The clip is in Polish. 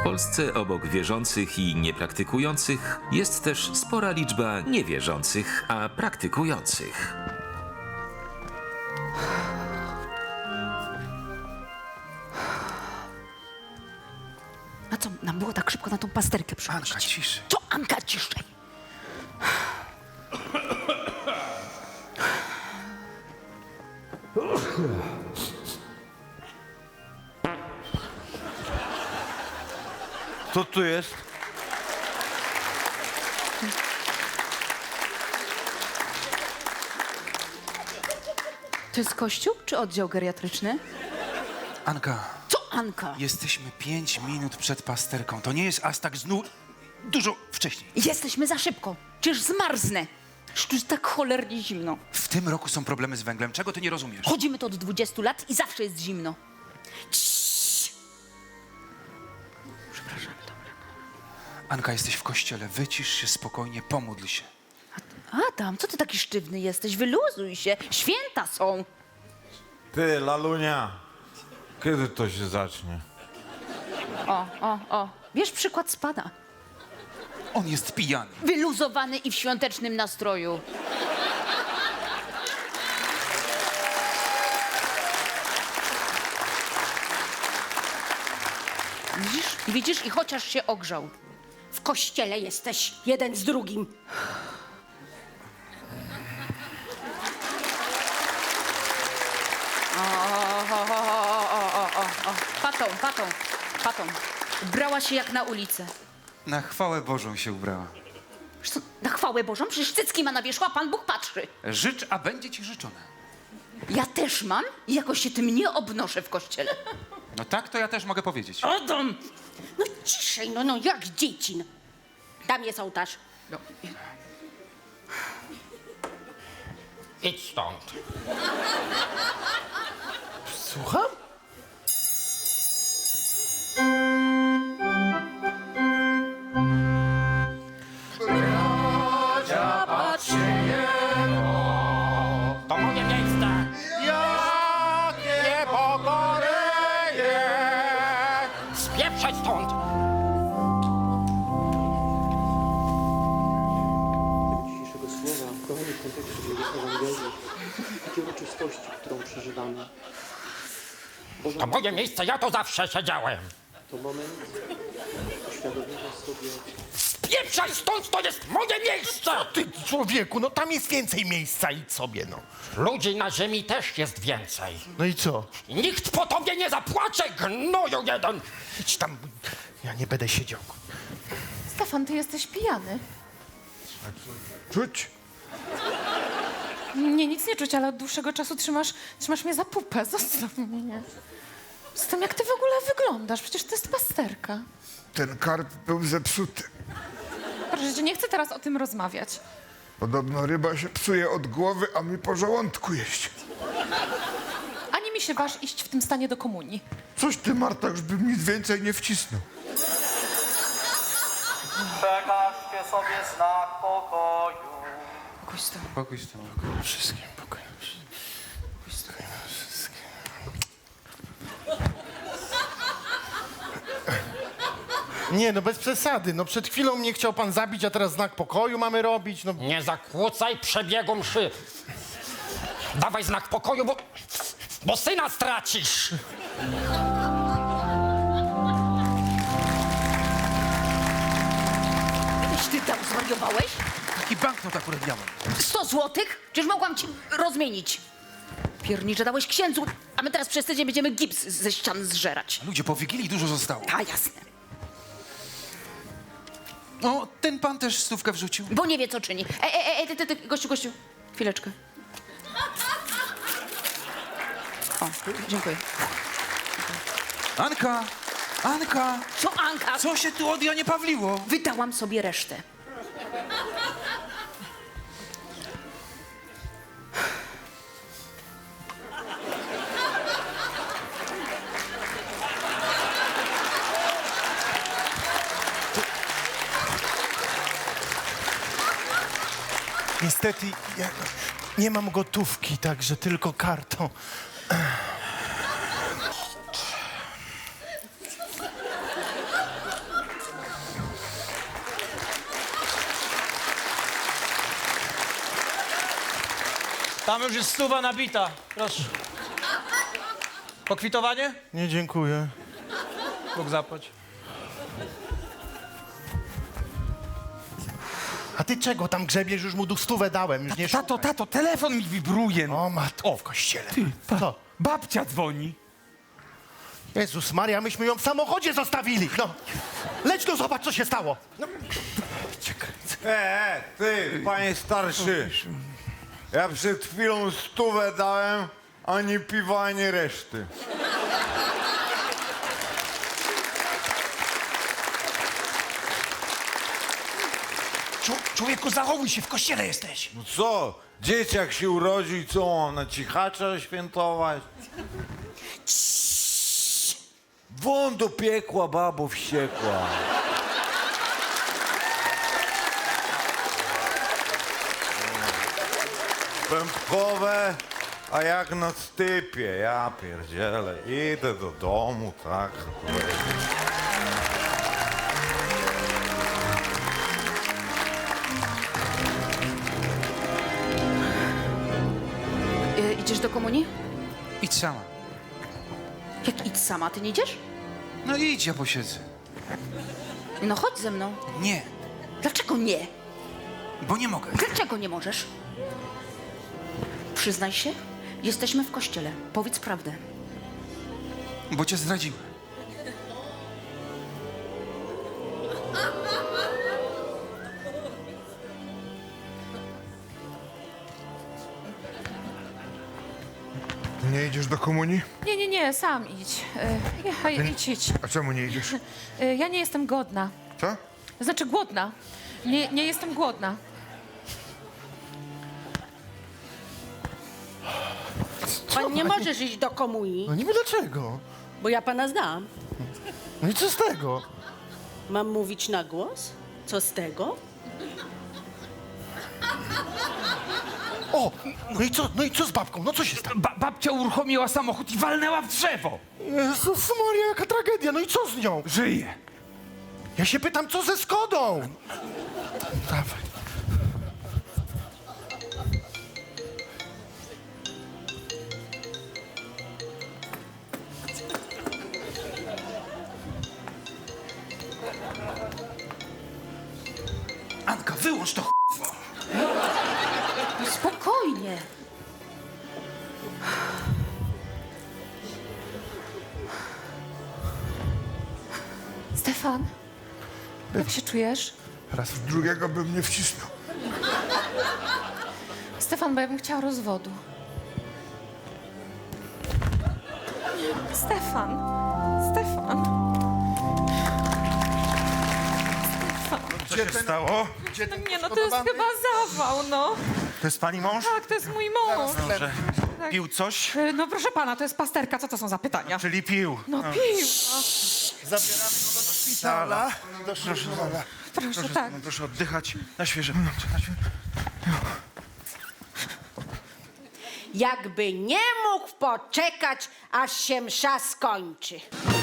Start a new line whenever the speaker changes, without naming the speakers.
Polsce obok wierzących i niepraktykujących jest też spora liczba niewierzących, a praktykujących.
A co, nam było tak szybko na tą pasterkę przychodzić?
Anka, ciszej.
Co, Anka, ciszej?
Co tu jest?
To jest kościół czy oddział geriatryczny?
Anka,
Co, Anka?
jesteśmy 5 minut przed pasterką. To nie jest aż tak dużo wcześniej.
Jesteśmy za szybko. Przecież zmarznę. Przecież tu jest tak cholernie zimno.
W tym roku są problemy z węglem. Czego ty nie rozumiesz?
Chodzimy tu od 20 lat i zawsze jest zimno. Ciii. Przepraszam, dobra.
Anka, jesteś w kościele. Wycisz się spokojnie, pomódl się.
Adam, co ty taki sztywny jesteś? Wyluzuj się. Święta są.
Ty, Lalunia, kiedy to się zacznie?
O. Wiesz, przykład spada.
On jest pijany.
Wyluzowany i w świątecznym nastroju. Widzisz? I chociaż się ogrzał. W kościele jesteś jeden z drugim. Patą. Ubrała się jak na ulicę.
Na chwałę Bożą się ubrała.
Wiesz co, na chwałę Bożą? Przecież cycki ma na wierzchu, a Pan Bóg patrzy.
Życz, a będzie ci życzone.
Ja też mam i jakoś się tym nie obnoszę w kościele.
No tak, to ja też mogę powiedzieć.
Adam!
No ciszej, no jak dzieci. No. Tam jest ołtarz.
No.
Idź stąd.
Słucham?
To moje miejsce.
Jakie pokoryje!
Spieprzaj stąd.
Dzisiejszego słowa, kochani, w kontekście Ewangelii i tej uroczystości, którą przeżywamy. Boże,
To moje miejsce, ja tu zawsze siedziałem.
to moment uświadomienia sobie,
Spieprzaj stąd, to jest moje miejsce.
Ty, człowieku, no tam jest więcej miejsca, idź sobie, no.
Ludzi na ziemi też jest więcej.
No i co?
I nikt po tobie nie zapłacze, gnoju jeden.
Idź tam, ja nie będę siedział.
Stefan, ty jesteś pijany.
Czuć?
Nie, nic nie czuć, ale od dłuższego czasu trzymasz mnie za pupę. Zostaw mnie. Z tym, jak ty w ogóle wyglądasz? Przecież to jest pasterka.
Ten karp był zepsuty.
Proszę cię, nie chcę teraz o tym rozmawiać.
Podobno ryba się psuje od głowy, a mi po żołądku jeść.
Ani mi się waż iść w tym stanie do komunii.
Coś ty, Marta, już bym nic więcej nie wcisnął.
przekażcie sobie znak pokoju.
Pokój z tobą.
Wszystkim pokój. Nie, no bez przesady. No przed chwilą mnie chciał pan zabić, a teraz znak pokoju mamy robić. No
Nie zakłócaj przebiegu mszy. Dawaj znak pokoju, bo syna stracisz.
Ty tam zwariowałeś?
Taki banknot akurat miałem.
100 złotych? Przecież mogłam ci rozmienić. Piernicze dałeś księdzu, a my teraz przez tydzień będziemy gips ze ścian zżerać.
Ludzie, po Wigilii dużo zostało.
A jasne.
No, ten pan też stówkę wrzucił.
Bo nie wie, co czyni. Ty, gościu. Chwileczkę. O, dziękuję.
Anka!
Co, Anka?
Co się tu od Janie Pawliło?
Wydałam sobie resztę.
niestety ja nie mam gotówki, także tylko kartą.
Tam już jest 100 nabita. Proszę. Pokwitowanie?
Nie, dziękuję.
Bóg zapłać.
A ty czego tam grzebiesz? Już mu 100 dałem, już nie
Tato, telefon mi wibruje.
O matko.
W kościele.
Co?
Babcia dzwoni.
Jezus Maria, myśmy ją w samochodzie zostawili. No, leć tu, zobacz, co się stało. No.
Ty, panie starszy. Ja przed chwilą 100 dałem, ani piwa, ani reszty.
Człowieku, zachowuj się, w kościele jesteś.
No co? Dzieciak się urodził i co, mam na cichacza świętować? Won do piekła, babo wściekła. Pępkowe, a jak na stypie, ja pierdzielę. Idę do domu, tak.
Idziesz do komunii?
Idź sama.
Jak idź sama, ty nie idziesz?
No idź, ja posiedzę.
No chodź ze mną.
Nie,
Dlaczego nie?
bo nie mogę.
Dlaczego nie możesz? Przyznaj się, jesteśmy w kościele. Powiedz prawdę.
Bo cię zdradziłem.
Nie idziesz do komunii?
Nie, sam idź. Idź.
A czemu nie idziesz?
Ja nie jestem godna.
Co?
Znaczy głodna. Nie jestem głodna.
Pan nie możesz iść do komunii,
No niby dlaczego?
bo ja pana znam.
No i co z tego?
Mam mówić na głos? Co z tego?
O, no i co z babką? No co się stało?
Babcia uruchomiła samochód i walnęła w drzewo.
Jezus Maria, jaka tragedia, no i co z nią?
Żyje.
Ja się pytam, co ze Skodą? Dawaj.
Anka, wyłącz to
Spokojnie.
Stefan, jak się czujesz?
Raz w drugiego bym nie wcisnął.
Stefan, bo ja bym chciała rozwodu. Stefan.
Co się stało?
No nie, no to jest chyba zawał, no.
To jest pani mąż?
Tak, to jest mój mąż.
Dobrze. Pił coś?
No proszę pana, to jest pasterka, co to są za pytania?
Czyli pił.
No pił.
Zabieramy go do szpitala.
Proszę, tak.
Proszę oddychać na świeże.
Jakby nie mógł poczekać, aż się msza skończy.